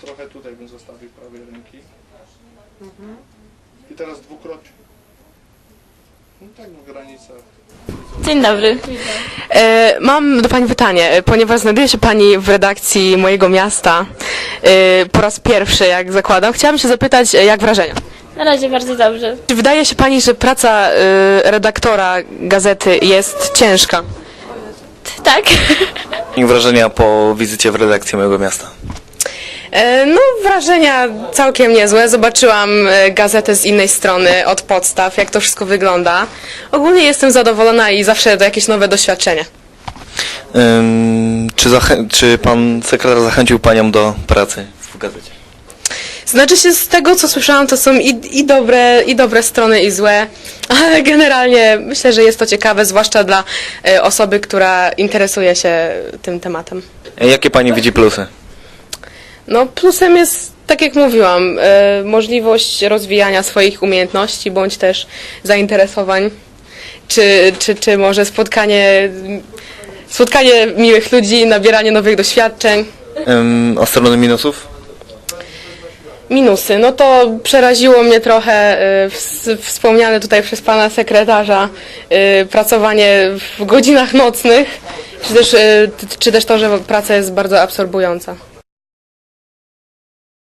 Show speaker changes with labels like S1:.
S1: trochę tutaj bym zostawił prawej ręki. I teraz dwukrotnie. No tak w granicach.
S2: Dzień dobry.
S3: Mam do Pani pytanie, ponieważ znajduje się Pani w redakcji Mojego Miasta po raz pierwszy, jak zakładam. Chciałabym się zapytać, jak wrażenia?
S2: Na razie bardzo dobrze.
S3: Czy wydaje się Pani, że praca redaktora gazety jest ciężka?
S2: Tak.
S4: I wrażenia po wizycie w redakcji Mojego Miasta?
S3: No, wrażenia całkiem niezłe. Zobaczyłam gazetę z innej strony, od podstaw, jak to wszystko wygląda. Ogólnie jestem zadowolona i zawsze to jakieś nowe doświadczenie.
S4: Czy pan sekretarz zachęcił panią do pracy w gazecie?
S3: Znaczy się, z tego co słyszałam, to są i dobre strony, i złe, ale generalnie myślę, że jest to ciekawe, zwłaszcza dla osoby, która interesuje się tym tematem.
S4: Jakie pani widzi plusy?
S3: No, plusem jest, tak jak mówiłam, możliwość rozwijania swoich umiejętności, bądź też zainteresowań, czy może spotkanie miłych ludzi, nabieranie nowych doświadczeń.
S4: A strony minusów?
S3: Minusy, no to przeraziło mnie trochę wspomniane tutaj przez pana sekretarza pracowanie w godzinach nocnych, czy też to, że praca jest bardzo absorbująca.